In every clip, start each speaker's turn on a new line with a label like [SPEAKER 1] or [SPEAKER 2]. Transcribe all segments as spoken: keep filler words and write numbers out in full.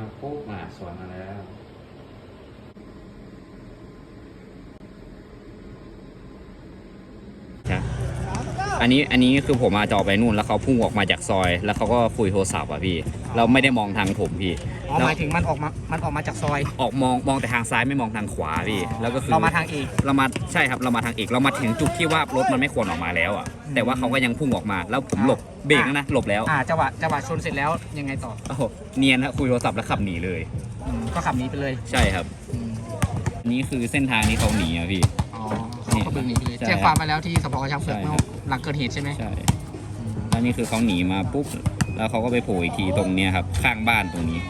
[SPEAKER 1] ปุ๊บมาสวนมาแล้วอันนี้อันนี้คือผมมาจอไปนู่นแล้วเขาพุ่งออกมาจากซอยแล้วเขาก็คุยโทรศัพท์อ่ะพี่เราไม่ได้มองทางผมพี่
[SPEAKER 2] อ๋อหมายถึงมันออกมามันออกมาจากซอย
[SPEAKER 1] ออกมองมองแต่ทางซ้ายไม่มองทางขวาพี่แล้วก็คือ
[SPEAKER 2] เรามาทางเอก
[SPEAKER 1] เรามาใช่ครับเรามาทางเอกเรามาถึงจุดที่ว่ารถมันไม่ควรออกมาแล้วอ่ะแต่ว่าเขาก็ยังพุ่งออกมาแล้วผมหลบเบรกนะหลบแล้ว
[SPEAKER 2] อ่าจังหวะจังหวะชนเสร็จแล้วยังไงต่อ
[SPEAKER 1] โอ้โหเนียนฮะคุยโทรศัพท์แล้วขับหนีเลย
[SPEAKER 2] ก็ขับหนีไปเลย
[SPEAKER 1] ใช่ครับนี่คือเส้นทางที่เขาหนีอะพี่
[SPEAKER 2] อ๋อเขาบึงหนีไปเลยแจ้งความมาแล้วที่สพกระชังเผือกเมื่อหลังเกิดเหตุใช่ไหม
[SPEAKER 1] ใช่แล้วนี่คือเขาหนีมาปุ๊บแล้วเขาก็ไปโผล่อีกทีตรงเนี้ยครับข้างบ้านตรงนี้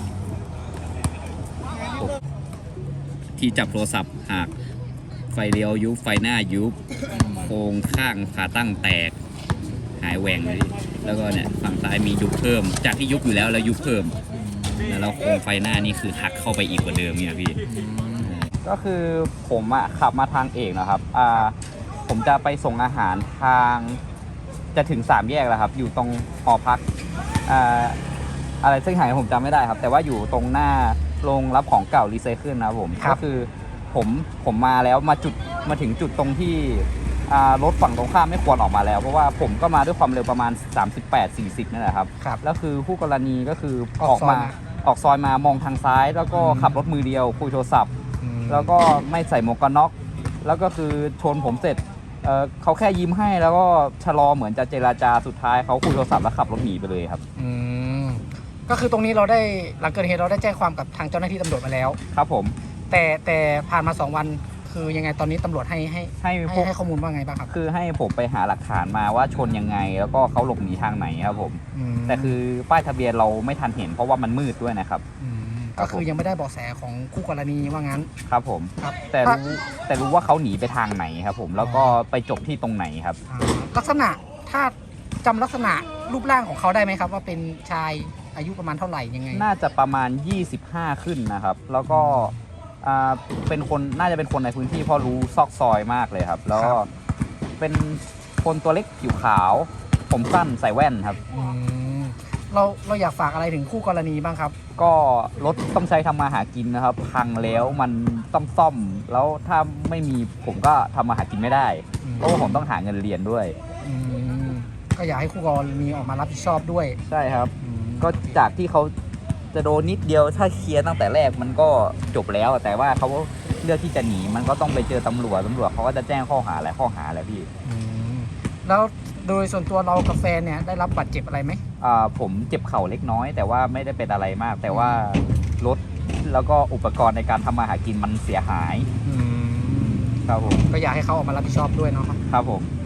[SPEAKER 1] ที่จับโทรศัพท์หักไฟเลี้ยวยุบไฟหน้ายุบโครงข้างขาตั้งแตกหายแหว่งเลยแล้วก็เนี่ยฝั่งซ้ายมียุบเพิ่มจากที่ยุบอยู่แล้วแล้วยุบเพิ่มแล้วโครงไฟหน้านี่คือหักเข้าไปอีกกว่าเดิมเนี่ยพี่ก็คือผมอะขับมาทางเอกนะครับอ่าผมจะไปส่งอาหารทางจะถึงสามแยกแล้วครับอยู่ตรงหอพักอ่าอะไรซึ่งหายผมจำไม่ได้ครับแต่ว่าอยู่ตรงหน้าโรงรับของเก่ารีไซเคิลนะครับผมก็คือผมผมมาแล้วมาจุดมาถึงจุดตรงที่รถฝั่งตรงข้ามไม่ควรออกมาแล้วเพราะว่าผมก็มาด้วยความเร็วประมาณสามสิบแปด สี่สิบนั่นแหละครับแล้วคือคู่กรณีก็คือออกมาออกซอยมามองทางซ้ายแล้วก็ขับรถมือเดียวคุยโทรศัพท์แล้วก็ไม่ใส่หมวกกันน็อกแล้วก็คือชนผมเสร็จเเขาแค่ยิ้มให้แล้วก็ชะลอเหมือนจะเจรจาสุดท้ายเขาคุยโทรศัพท์แล้วขับรถหนีไปเลยครับ
[SPEAKER 2] อืมก็คือตรงนี้เราได้หลังเกิดเหตุเราได้แจ้งความกับทางเจ้าหน้าที่ตำรวจมาแล้ว
[SPEAKER 1] ครับผม
[SPEAKER 2] แต่แต่ผ่านมาสองวันคือยังไงตอนนี้ตำรวจให้ให้
[SPEAKER 1] ให้
[SPEAKER 2] ให้ข้อมูลว่าไงบ้างครับ
[SPEAKER 1] คือให้ผมไปหาหลักฐานมาว่าชนยังไงแล้วก็เขาหลบหนีทางไหนครับผมแต่คือป้ายทะเบียนเราไม่ทันเห็นเพราะว่ามันมืดด้วยนะครับ
[SPEAKER 2] ก็คือยังไม่ได้เบาะแสของคู่กรณีว่างั้น
[SPEAKER 1] ครับผมครับแต่รู้แต่รู้ว่าเขาหนีไปทางไหนครับผมแล้วก็ไปจบที่ตรงไหนครับ
[SPEAKER 2] ลักษณะถ้าจำลักษณะรูปร่างของเขาได้ไหมครับว่าเป็นชายอายุประมาณเท่าไหร่ยังไง
[SPEAKER 1] น่าจะประมาณยี่สิบห้าขึ้นนะครับแล้วก็เป็นคนน่าจะเป็นคนในพื้นที่เพราะรู้ซอกซอยมากเลยครับแล้วก็เป็นคนตัวเล็กผิวขาวผมสั้นใส่แว่นครับ
[SPEAKER 2] เราเราอยากฝากอะไรถึงคู่กรณีบ้างครับ
[SPEAKER 1] ก็รถต้องใช้ทำมาหากินนะครับพังแล้วมันต้องซ่อมแล้วถ้าไม่มีผมก็ทำมาหากินไม่ได้เพราะว่าผมต้องหาเงินเรียนด้วย
[SPEAKER 2] ก็อยากให้คู่กรณีออกมารับผิดชอบด้วย
[SPEAKER 1] ใช่ครับก็จากที่เขาจะโดนนิดเดียวถ้าเคลียร์ตั้งแต่แรกมันก็จบแล้วแต่ว่าเขาเลือกที่จะหนีมันก็ต้องไปเจอตำรวจตำรวจเขาก็จะแจ้งข้อหาหลายข้อหาแหละพี่
[SPEAKER 2] แล้วโดยส่วนตัวเรากับแฟนเนี่ยได้รับบาดเจ็บอะไรไหม
[SPEAKER 1] อ่าผมเจ็บเข่าเล็กน้อยแต่ว่าไม่ได้เป็นอะไรมากแต่ว่ารถแล้วก็อุปกรณ์ในการทำมาหากินมันเสียหายครับผม
[SPEAKER 2] ก็อยากให้เขาออกมารับผิดชอบด้วยเนาะ
[SPEAKER 1] ครับผม